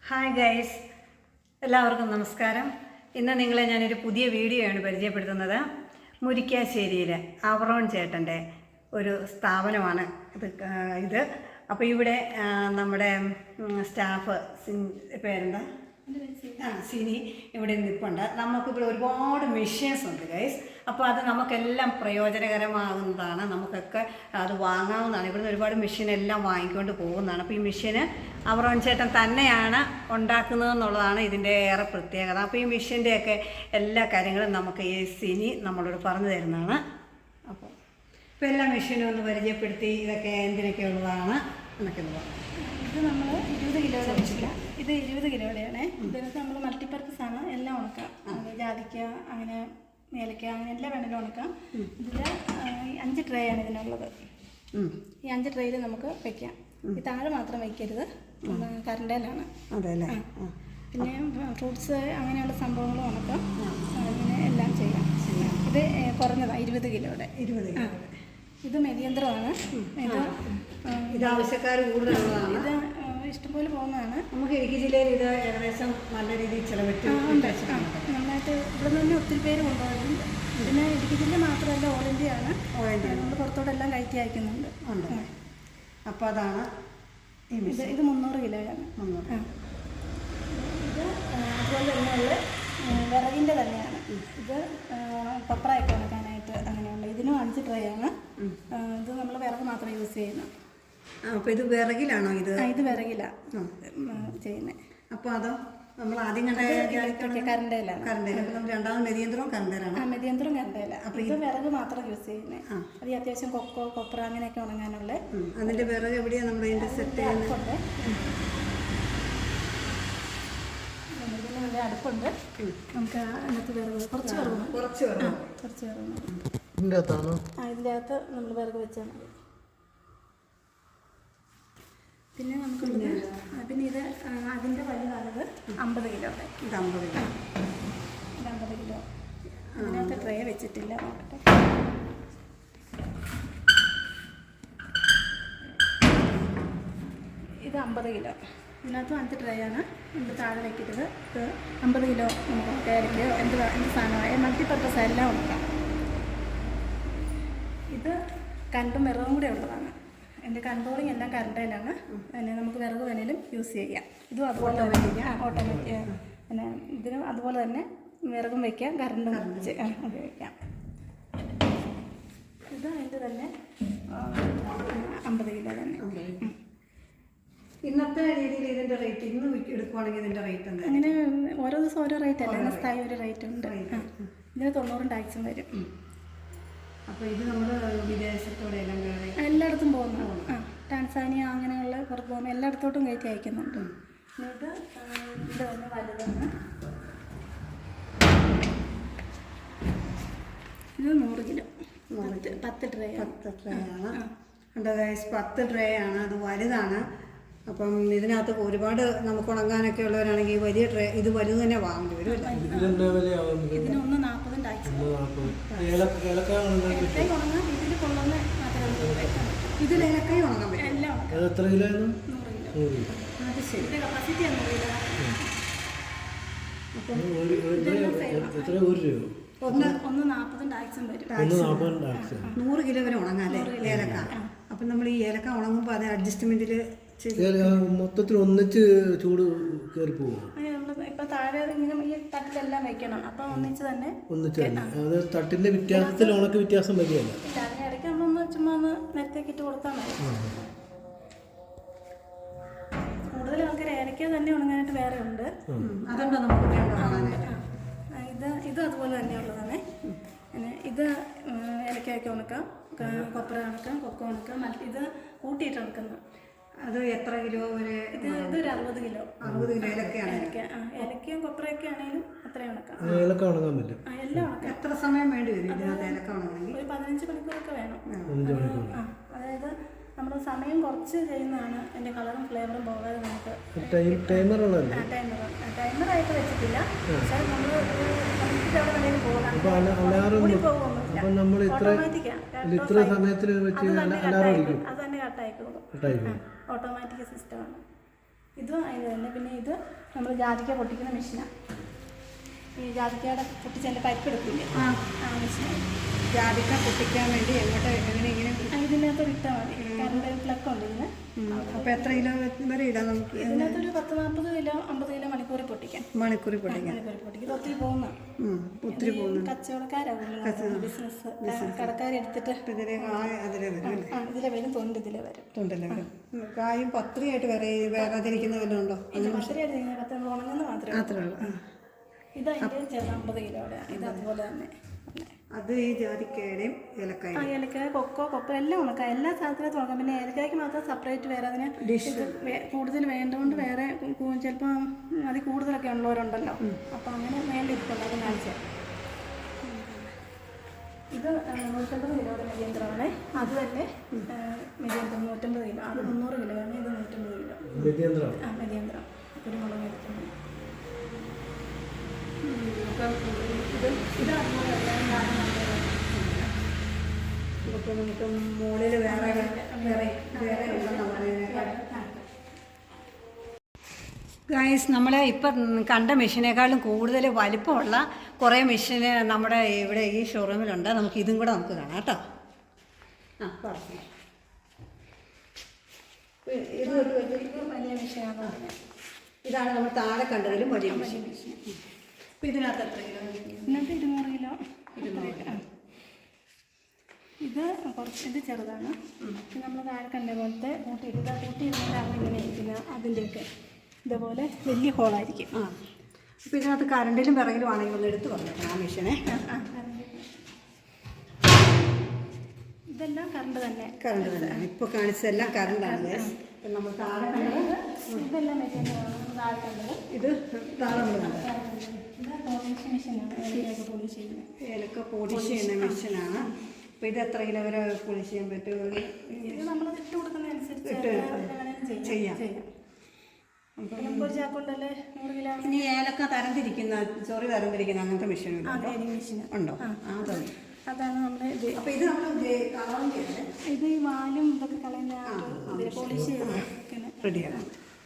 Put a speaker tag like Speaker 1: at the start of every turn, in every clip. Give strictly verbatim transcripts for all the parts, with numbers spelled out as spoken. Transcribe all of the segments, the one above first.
Speaker 1: Hi guys, എല്ലാവർക്കും നമസ്കാരം. ഇന്ന് നിങ്ങളെ ഞാനൊരു പുതിയ വീഡിയോയാണ് പരിചയപ്പെടുത്തുന്നത്. മുരിക്കാശ്ശേരിയിലെ അവറോൺ ചേട്ടൻ്റെ ഒരു സ്ഥാപനമാണ് ഇത് ഇത് അപ്പോൾ ഇവിടെ നമ്മുടെ സ്റ്റാഫ് പേരെന്താ ആ സിനി ഇവിടെ നിൽപ്പുണ്ട്. നമുക്കിവിടെ ഒരുപാട് മെഷീൻസ് ഉണ്ട് ഗൈസ്. അപ്പോൾ അത് നമുക്കെല്ലാം പ്രയോജനകരമാകുന്നതാണ്. നമുക്കൊക്കെ അത് വാങ്ങാവുന്നതാണ്. ഇവിടുന്ന് ഒരുപാട് മെഷീനെല്ലാം വാങ്ങിക്കൊണ്ട് പോകുന്നതാണ്. അപ്പോൾ ഈ മെഷീന് അവറോൺ ചേട്ടൻ തന്നെയാണ് ഉണ്ടാക്കുന്നതെന്നുള്ളതാണ് ഇതിൻ്റെ ഏറെ പ്രത്യേകത. അപ്പോൾ ഈ മെഷീൻ്റെയൊക്കെ എല്ലാ കാര്യങ്ങളും നമുക്ക് ഈ സിനി നമ്മളോട് പറഞ്ഞു തരുന്നതാണ്. അപ്പോൾ ഇപ്പോൾ എല്ലാ മെഷീനും ഒന്ന് പരിചയപ്പെടുത്തി ഇതൊക്കെ എന്തിനൊക്കെ ഉള്ളതാണ് എന്നൊക്കെ ഒന്ന് പറഞ്ഞു.
Speaker 2: ഇത് നമ്മൾ ഇരുപത് കിലോയുടെ വെച്ചില്ല. ഇത് ഇരുപത് കിലോയുടെയാണ്. ഇതിനകത്ത് നമ്മൾ മൾട്ടിപ്പർപ്പസ് ആണ്. എല്ലാം ഉണക്കാം. ജാതിക്ക, അങ്ങനെ ഏലക്ക, അങ്ങനെ എല്ലാം വേണമെങ്കിലും ഉണക്കാം. ഇതിൽ അഞ്ച് ട്രേ ആണ് ഇതിനുള്ളത്. ഈ അഞ്ച് ട്രേയിൽ നമുക്ക് വെക്കാം. ഈ താഴെ മാത്രം വയ്ക്കരുത്, കറണ്ടയിലാണ്. പിന്നെ ഫ്രൂട്ട്സ് അങ്ങനെയുള്ള സംഭവങ്ങളും ഉണക്കാം. അങ്ങനെ എല്ലാം ചെയ്യാം. ഇത് കുറഞ്ഞതാണ്, ഇരുപത് കിലോയുടെ. ഇരുപത് കിലോ ഇത് മെതിയന്ത്രമാണ്. ഇത്
Speaker 1: ഇത് ആവശ്യക്കാർ കൂടുതലുള്ളതാണ്.
Speaker 2: ഇത് ഇഷ്ടംപോലെ പോകുന്നതാണ്.
Speaker 1: നമുക്ക് ഇടുക്കി ജില്ലയിൽ ഇത് ഏകദേശം നല്ല രീതിയിൽ ചിലവിട്ട്
Speaker 2: നന്നായിട്ട് ഇവിടെ നിന്ന് ഒത്തിരി പേര് കൊണ്ടുപോകുന്നുണ്ട്. പിന്നെ ഇടുക്കി ജില്ല മാത്രമല്ല, ഓൾ ഇന്ത്യ ആണ്.
Speaker 1: ഓൾ ഇന്ത്യ
Speaker 2: നമ്മൾ പുറത്തോട്ടെല്ലാം കയറ്റി അയക്കുന്നുണ്ട്.
Speaker 1: ഉണ്ട്. അപ്പോൾ അതാണ്
Speaker 2: ഇത് ഇത് മുന്നൂറ് കിലോയാണ്.
Speaker 1: മുന്നൂറ്
Speaker 2: ഇത് അതുപോലെ തന്നെയുള്ള വിറകിൻ്റെ തന്നെയാണ്. ഇത് പപ്പറയൊക്കെ ഉണക്കാനായിട്ട് അങ്ങനെയുള്ള. ഇതിനും അഞ്ച് ട്രേ ആണ്. ഇത് നമ്മൾ വിറക് മാത്രം യൂസ് ചെയ്യുന്നത്.
Speaker 1: അപ്പോൾ ഇത് വിറകിലാണോ? ഇത്
Speaker 2: ഇത് വിറകിലാണ് ചെയ്യുന്നത്.
Speaker 1: അപ്പോൾ അതോ നമ്മൾ ആദ്യം കണ്ട
Speaker 2: കറണ്ടയിലാണ്.
Speaker 1: കറണ്ടയിൽ. അപ്പോൾ നമ്മൾ രണ്ടാമത് മെതിയന്ത്രവും കറണ്ടയിലാണ്.
Speaker 2: ആ മെതിയന്ത്രവും കറണ്ടയില. അപ്പോൾ ഇത് വിറക് മാത്രം യൂസ് ചെയ്യുന്നത്. അത് അത്യാവശ്യം കൊക്കോ, കൊപ്ര അങ്ങനെയൊക്കെ ഉണങ്ങാനുള്ള.
Speaker 1: അതിൻ്റെ വിറക് എവിടെയാണ് നമ്മൾ ഇതിൻ്റെ സെറ്റ് ചെയ്യുന്നത്?
Speaker 2: നല്ല അടുപ്പുണ്ട്. നമുക്ക് അതിനകത്ത് വിറക് കുറച്ച് വിറക്
Speaker 1: കുറച്ച് വിറക്
Speaker 2: കുറച്ച് വിറക് ആ ഇതിൻ്റെ അകത്ത് നമ്മൾ വിറക് വെച്ചാൽ മതി. പിന്നെ നമുക്കുള്ളത് പിന്നെ ഇത് അതിൻ്റെ വലുതാണത് അമ്പത് കിലോ.
Speaker 1: ഇത് അമ്പത് കിലോ
Speaker 2: ഇത് അമ്പത് കിലോ. അതിനകത്ത് ട്രേ വെച്ചിട്ടില്ല, നോക്കട്ടെ. ഇത് അമ്പത് കിലോ. ഇതിനകത്തും അഞ്ച് ട്രേ ആണ്. നമുക്ക് താഴെ വയ്ക്കരുത്. ഇത് അമ്പത് കിലോ നമുക്ക് കേരക്കയോ എന്ത് എന്ത് സാധനമായ മൾട്ടിപ്പർപ്പസ് എല്ലാം ഉണക്കാം. ഇത് കറണ്ടും വിറകും കൂടെ ഉള്ളതാണ്. എൻ്റെ കൺട്രോളിങ് എല്ലാം കറണ്ടയിലാണ്. പിന്നെ നമുക്ക് വിറക് വേണേലും യൂസ് ചെയ്യാം. ഇതും അതുപോലെ തന്നെ ഓട്ടോമാറ്റിക്. പിന്നെ ഇതിനും അതുപോലെ തന്നെ വിറകും വയ്ക്കാം, കറണ്ടും ഉപയോഗിക്കാം. ഇത് അതിൻ്റെ തന്നെ അമ്പത് കിലോ തന്നെ.
Speaker 1: ഇന്നത്തെ രീതിയിൽ ഇതിൻ്റെ റേറ്റ് ഇന്ന് എടുക്കുവാണെങ്കിൽ ഇതിൻ്റെ റേറ്റ് എന്താ?
Speaker 2: അങ്ങനെ ഓരോ ദിവസം ഓരോ റേറ്റ് അല്ല, ഇന്ന സ്ഥായി ഒരു റേറ്റ് ഉണ്ട്. ഇതിന് തൊണ്ണൂറും ടാക്സും വരും.
Speaker 1: അപ്പോൾ ഇത് നമ്മൾ വിദേശത്തോടെ എല്ലാം
Speaker 2: എല്ലായിടത്തും പോകുന്നു. ആ ടാൻസാനിയ അങ്ങനെയുള്ള പുറത്ത് പോകുമ്പോൾ എല്ലായിടത്തോട്ടും കയറ്റി അയക്കുന്നുണ്ട്. എന്നിട്ട് ഇത് തന്നെ വലുതാണ്. ഇത് നൂറ് കിലോ. പത്ത് പത്ത് ട്രേ
Speaker 1: പത്ത് ട്രേ ആണ്. ഉണ്ട് ഗൈസ്, പത്ത് ട്രേ ആണ്. അത് വലുതാണ്. അപ്പം ഇതിനകത്ത് ഒരുപാട് നമുക്ക് ഉണങ്ങാനൊക്കെ ഉള്ളവരാണെങ്കിൽ വലിയ ട്രേ ഇത് വലുത് തന്നെ വാങ്ങേണ്ടി വരും.
Speaker 2: ഇതിന് ഒന്ന് നാൽപ്പതും ടാക്സ്.
Speaker 1: ഇതിൽ ഏലക്കായ ഉണങ്ങാൻ പറ്റും.
Speaker 2: എല്ലാം
Speaker 3: എത്ര കിലോ?
Speaker 2: നൂറ് കിലോ.
Speaker 1: അത് ശരി.
Speaker 2: കപ്പാസിറ്റി നൂറ് കിലോ.
Speaker 1: ഒന്ന്
Speaker 2: ഒന്ന് നാൽപ്പതും ടാക്സും വരും.
Speaker 1: നൂറ് കിലോ വരെ ഉണങ്ങാം അല്ലേ ഏലക്ക? അപ്പം നമ്മൾ ഈ ഏലക്ക ഉണങ്ങുമ്പോൾ അത് അഡ്ജസ്റ്റ്മെൻറ്റിൽ
Speaker 3: മൊത്തത്തിൽ ഒന്നിച്ച് ചൂട് കയറി പോകും.
Speaker 2: ഇപ്പൊ താഴെ ഇങ്ങനെ ഈ തട്ടിലെല്ലാം വെക്കണം. അപ്പൊ ഒന്നിച്ച് തന്നെ
Speaker 3: ഒന്നിച്ച് തന്നെ അത് തട്ടിന്റെ വ്യത്യാസത്തിൽ ഉണക്ക് വ്യത്യാസം വരികയല്ല.
Speaker 2: ഇടയ്ക്ക് നമ്മളൊന്ന് ചുമ്മാ ഒന്ന് നേരത്തേക്ക് ഇട്ട് കൊടുത്താൽ മതി. കൂടുതൽ ആൾക്കാർ ഏലക്ക തന്നെ ഉണങ്ങാനായിട്ട് വേറെ ഉണ്ട്.
Speaker 1: അതുകൊണ്ടോ നമുക്ക്
Speaker 2: ഇത് ഇത് അതുപോലെ തന്നെയുള്ളതാണ്. പിന്നെ ഇത് ഏലക്കയൊക്കെ ഉണക്കാം, കൊപ്ര ഉണക്കാം, കൊക്കോ ഉണക്കാം. മറ്റ് ഇത് കൂട്ടിയിട്ട് ഉണക്കുന്നത്.
Speaker 1: അത് എത്ര കിലോ വരെ?
Speaker 2: ഇത് ഇതൊരു അറുപത് കിലോ.
Speaker 1: അറുപത് കിലോ ഏലക്കയാണ്.
Speaker 2: ഏലക്ക ആ ഏലക്കയും കൊപ്രയൊക്കെ ആണെങ്കിലും അത്രയും ഉണക്കാം.
Speaker 3: ഏലക്ക ഉണങ്ങാൻ പറ്റും.
Speaker 2: ആ എല്ലാം ഉണക്കാം.
Speaker 1: എത്ര സമയം വേണ്ടി വരും ഇതിനകത്ത് ഏലക്ക ഉണങ്ങണമെങ്കിൽ?
Speaker 2: ഒരു പതിനഞ്ച് മണിക്കൂറൊക്കെ വേണം.
Speaker 3: ആ
Speaker 2: അതായത് നമ്മൾ സമയം കുറച്ച് ചെയ്യുന്നതാണ് എൻ്റെ കളറും ഫ്ലേവറും പോകാതെ നമുക്ക്.
Speaker 3: ടൈമർ ഉള്ളതല്ലേ?
Speaker 2: ടൈമർ ടൈമറായിട്ട് വെച്ചിട്ടില്ല. പക്ഷേ നമ്മൾ അവിടെ വേണമെങ്കിലും പോകാം.
Speaker 3: ഇത്ര സമയത്തിന് വെച്ച്
Speaker 2: അത് തന്നെ കട്ടായിക്കോളും. ഓട്ടോമാറ്റിക് സിസ്റ്റമാണ്. ഇതും അതിന് തന്നെ. പിന്നെ ഇത് നമ്മൾ ജാതിക്ക പൊട്ടിക്കുന്ന മെഷീനാണ്. ഈ ജാതിക്കയുടെ പൊട്ടിച്ചതിൻ്റെ പരിപ്പ് എടുക്കില്ലേ,
Speaker 1: ആ
Speaker 2: ആ മെഷീനാണ്.
Speaker 1: ജാതിക്ക പൊട്ടിക്കാൻ വേണ്ടി എങ്ങോട്ട് എങ്ങനെ ഇങ്ങനെ
Speaker 2: ഇതിനകത്ത് ഇട്ടാൽ മതി. കറണ്ട് പ്ലഗ് ഉണ്ട് ഇതിന്.
Speaker 1: അപ്പോൾ എത്ര കിലോ വരെ ഇടാം നമുക്ക്?
Speaker 2: ഇതിനകത്തൊരു പത്ത് നാൽപ്പത് കിലോ അമ്പത് കിലോ മണിക്കൂറിൽ പൊട്ടിക്കാം.
Speaker 1: മണിക്കൂറിൽ പൊട്ടിക്കാം.
Speaker 2: മണിക്കൂറിൽ പൊട്ടിക്കും. ഇത് ഒത്തിരി പോകുന്ന
Speaker 1: ഒത്തിരി പോകുന്നു.
Speaker 2: കച്ചവടക്കാരാണ് ബിസിനസ് കടക്കാരെടുത്തിട്ട്
Speaker 1: ഇതിലെ കായ അതിലെ വരും അല്ലേ?
Speaker 2: ആ ഇതിലെ വരും, തൊണ്ട് ഇതിലെ വരും.
Speaker 1: തൊണ്ടല്ലേ വരും. കായും പത്രിയായിട്ട് വേറെ വേറാതിരിക്കുന്ന വല്ലതും ഉണ്ടോ?
Speaker 2: പത്തരയായിട്ട് പത്ത് നമ്മൾ ഉണങ്ങുന്ന മാത്രമേ
Speaker 1: മാത്രമേ ഉള്ളൂ.
Speaker 2: ഇത് അതിൻ്റെ ചെറുത് അമ്പത് കിലോയുടെ. ഇത് അതുപോലെ തന്നെ.
Speaker 1: അത് ഈ ജാതിക്കയുടെയും ഏലക്കായ.
Speaker 2: ആ ഏലക്കായ, കൊക്കോ, കൊക്കോ എല്ലാം ഉണക്കാം. എല്ലാ സാധനത്തിനും ഉണക്കാം. പിന്നെ ഏലക്കായ്ക്ക് മാത്രം സെപ്പറേറ്റ് വേറെ അതിന് ഡിഷ് കൂടുതൽ വേണ്ടതുകൊണ്ട് വേറെ ചിലപ്പോൾ അതിൽ കൂടുതലൊക്കെ ഉള്ളവരുണ്ടല്ലോ. അപ്പോൾ അങ്ങനെ വേണ്ടിയിരിക്കുള്ളൂ. അത് കാണിച്ചാൽ ഇത് നൂറ്റമ്പത് കിലോയുടെ മെതിയന്ത്രമാണ്. അത് തന്നെ മെതിയന്ത്രം നൂറ്റമ്പത് കിലോ. അത് മുന്നൂറ് കിലോ ആണ്. ഇത് നൂറ്റമ്പത് കിലോ. ആ മെതിയന്ത്രം കുരുമുളക് എടുക്കുന്നത്. അപ്പം ഇത് ഇത് അതുപോലെ
Speaker 1: ഇപ്പോൾ നമുക്ക് മുകളിൽ വേറെ വേറെ വേറെ ഉണ്ടെന്ന് പറയുന്നത്. ഗൈസ്, നമ്മൾ ഇപ്പം കണ്ട മെഷീനേക്കാളും കൂടുതൽ വലിപ്പമുള്ള കുറേ മെഷീന് നമ്മുടെ ഇവിടെ ഈ ഷോറൂമിലുണ്ട്. നമുക്ക് ഇതും കൂടെ നമുക്ക് കാണാം കേട്ടോ. ആ പറഞ്ഞു. ഇത്
Speaker 2: വലിയ മെഷീനാണ് പറഞ്ഞത്.
Speaker 1: ഇതാണ് നമ്മൾ താഴെ കണ്ടതിലും വലിയ മെഷീൻ. അപ്പം ഇതിനകത്ത് എത്ര കിലോ?
Speaker 2: ഇതിനകത്ത് ഇരുന്നൂറ് കിലോ. ഇരുന്നൂറ്. ഇത് കുറച്ച് ഇത് ചെറുതാണ്. ഇത് നമ്മൾ താഴെ കണ്ട പോലത്തെ കൂട്ടി ഇടുക. കൂട്ടി ഇടുന്നതാണ് ഇങ്ങനെ ഇരിക്കുന്നത്. അതിൻ്റെയൊക്കെ ഇതേപോലെ വലിയ ഹോളായിരിക്കും.
Speaker 1: ആ അപ്പോൾ ഇതിനകത്ത് കറണ്ടിലും വിറകിലും ആണെങ്കിൽ ഒന്ന് എടുത്ത് പറഞ്ഞേക്കണം ആ മെഷീനെ.
Speaker 2: ഇതെല്ലാം കറണ്ട് തന്നെ.
Speaker 1: കറണ്ട് തന്നെയാണ് ഇപ്പോൾ കാണിച്ചതെല്ലാം കറണ്ടാണ്. ഇപ്പം നമ്മൾ താഴെ കണ്ടത്
Speaker 2: ഇതെല്ലാം മെഷീനാണ്. താഴെ കണ്ടത്
Speaker 1: ഇത് താഴെ നമ്മൾ കണ്ടത്
Speaker 2: ഇത് പോളിഷ് മെഷീനാണ്. ഏലക്കൊക്കെ പോളിഷ് ചെയ്യുന്നത്.
Speaker 1: ഏലക്ക പോളിഷ് ചെയ്യുന്ന മെഷീനാണ്. അപ്പോൾ ഇത് എത്ര കിലോ വരെ പോളിഷ് ചെയ്യാൻ പറ്റുമോ?
Speaker 2: ഇത് നമ്മൾ ഇട്ട് കൊടുക്കുന്നതനുസരിച്ച്
Speaker 1: ചെയ്യാം.
Speaker 2: അപ്പോൾ ഒരു ചാക്കൊണ്ടല്ലേ നൂറ് കിലോ.
Speaker 1: ഇനി ഏലക്ക തരംതിരിക്കുന്ന ചൊറി തരംതിരിക്കുന്ന അങ്ങനത്തെ മെഷീൻ
Speaker 2: മെഷീൻ
Speaker 1: ഉണ്ടോ? അതുണ്ട്.
Speaker 2: അതാണ് നമ്മുടെ ഇത്.
Speaker 1: അപ്പോൾ ഇത് നമ്മൾ
Speaker 2: ഇത് ഈ വാലും ഇതൊക്കെ കളയുന്ന ഇതിൽ പോളിഷ് ചെയ്ത്
Speaker 1: റെഡിയാണ്.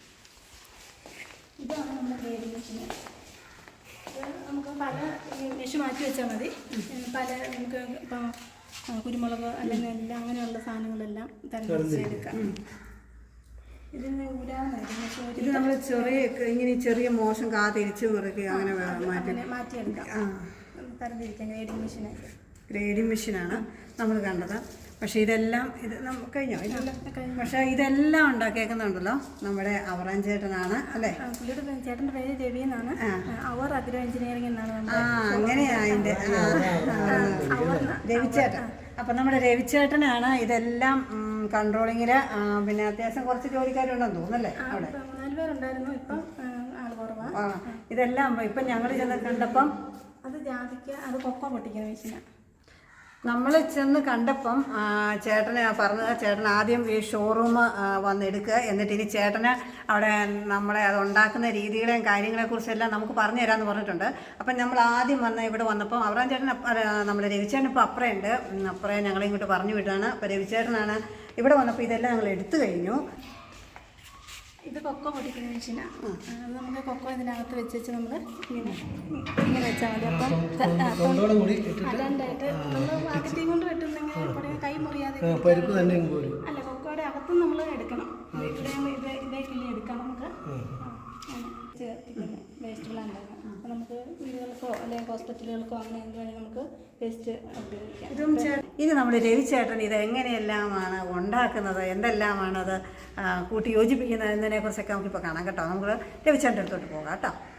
Speaker 2: ഇതാണ് നമ്മുടെ ഗ്രേഡിംഗ് മെഷീൻ. നമുക്ക് പല മെഷീൻ മാറ്റി വെച്ചാൽ മതി. പല നമുക്ക് ഇപ്പം കുരുമുളക് അല്ലെങ്കിൽ എല്ലാം അങ്ങനെയുള്ള സാധനങ്ങളെല്ലാം തരംതിരിച്ചെടുക്കാം. ഇതിന് ഊരാവുന്നതായിരിക്കും.
Speaker 1: ഇത് നമ്മൾ ചെറിയ ഇങ്ങനെ ചെറിയ മോശം കാ തിരിച്ച് മുറുക്കി അങ്ങനെ മാറ്റി
Speaker 2: മാറ്റിയെടുക്കാം. തരംതിരിക്കാം. ഗ്രേഡിംഗ് മെഷീനായിട്ട്.
Speaker 1: ഗ്രേഡിംഗ് മെഷീനാണ് നമ്മൾ കണ്ടത്. പക്ഷേ ഇതെല്ലാം ഇത് നമുക്ക് കഴിഞ്ഞോ? ഇതെല്ലാം പക്ഷേ ഇതെല്ലാം ഉണ്ടാക്കിയേക്കുന്നുണ്ടല്ലോ നമ്മുടെ അവറാൻ ചേട്ടനാണ് അല്ലേ?
Speaker 2: പുള്ളിയുടെ ചേട്ടൻ്റെ പേര് രവി എന്നാണ്. അവർ അഗ്രോ എഞ്ചിനീയറിംഗ് എന്നാണ്.
Speaker 1: ആ അങ്ങനെയാ അതിൻ്റെ രവിച്ചേട്ടൻ. അപ്പം നമ്മുടെ രവിച്ചേട്ടനാണ് ഇതെല്ലാം കൺട്രോളിങ്ങിൽ. പിന്നെ അത്യാവശ്യം കുറച്ച് ജോലിക്കാരുണ്ടെന്ന് തോന്നുന്നല്ലേ അവിടെ?
Speaker 2: നാല് പേരുണ്ടായിരുന്നു. ഇപ്പം ആൾ കുറവാണ്.
Speaker 1: ആ ഇതെല്ലാം ഇപ്പം ഞങ്ങൾ ചെന്ന് കണ്ടപ്പം
Speaker 2: അത് ജാതിക്ക, അത് കൊക്കോ പൊട്ടിക്കുന്ന മെഷീനാണ്.
Speaker 1: നമ്മൾ ചെന്ന് കണ്ടപ്പം ചേട്ടന് പറഞ്ഞത് ചേട്ടൻ ആദ്യം ഈ ഷോറൂം വന്നെടുക്കുക, എന്നിട്ട് ഇനി ചേട്ടന് അവിടെ നമ്മളെ അത് ഉണ്ടാക്കുന്ന രീതികളെയും കാര്യങ്ങളെക്കുറിച്ചെല്ലാം നമുക്ക് പറഞ്ഞു തരാമെന്ന് പറഞ്ഞിട്ടുണ്ട്. അപ്പം നമ്മൾ ആദ്യം വന്ന് ഇവിടെ വന്നപ്പം അവറാൻ ചേട്ടൻ നമ്മുടെ രവിച്ചേട്ടൻ ഇപ്പോൾ അപ്പുറമുണ്ട്. അപ്പുറം ഞങ്ങളെ ഇങ്ങോട്ട് പറഞ്ഞു വിട്ടാണ്. അപ്പോൾ രവിച്ചേട്ടനാണ് ഇവിടെ വന്നപ്പോൾ ഇതെല്ലാം ഞങ്ങൾ എടുത്തു കഴിഞ്ഞു.
Speaker 2: ഇത് കൊക്കോ പൊടിക്കുന്ന മെഷീനാണ്. അത് നമുക്ക് കൊക്കോ ഇതിനകത്ത് വെച്ച് വെച്ച് നമ്മൾ ഇങ്ങനെ ഇങ്ങനെ വെച്ചാൽ മതി. അപ്പം രണ്ടായിട്ട് നമ്മൾ അകത്തേയും കൊണ്ട് വെട്ടുന്നെങ്കിൽ കൈ മുറിയാതെ അല്ല, കൊക്കോയുടെ അകത്തും നമ്മൾ എടുക്കണം. ഇവിടെ ഇത് ഇതേ കിള്ളി എടുക്കാം നമുക്ക്. ചേർത്തിക്കുന്നത് വേസ്റ്റ് പ്ലാന്റാണ്. അപ്പോൾ നമുക്ക് വീടുകൾക്കോ അല്ലെങ്കിൽ ഹോസ്പിറ്റലുകൾക്കോ അങ്ങനെ എന്തുവേണമെങ്കിൽ നമുക്ക് വേസ്റ്റ് ഉപയോഗിക്കാം.
Speaker 1: ഇതും ഇത് നമ്മൾ രവിച്ചേട്ടൻ ഇത് എങ്ങനെയെല്ലാമാണ് ഉണ്ടാക്കുന്നത്, എന്തെല്ലാമാണത് കൂട്ടി യോജിപ്പിക്കുന്നത് എന്നതിനെക്കുറിച്ചൊക്കെ നമുക്കിപ്പോൾ കാണാം കേട്ടോ. നമുക്ക് രവിച്ചേട്ടൻ്റെ അടുത്തോട്ട് പോകാം കേട്ടോ.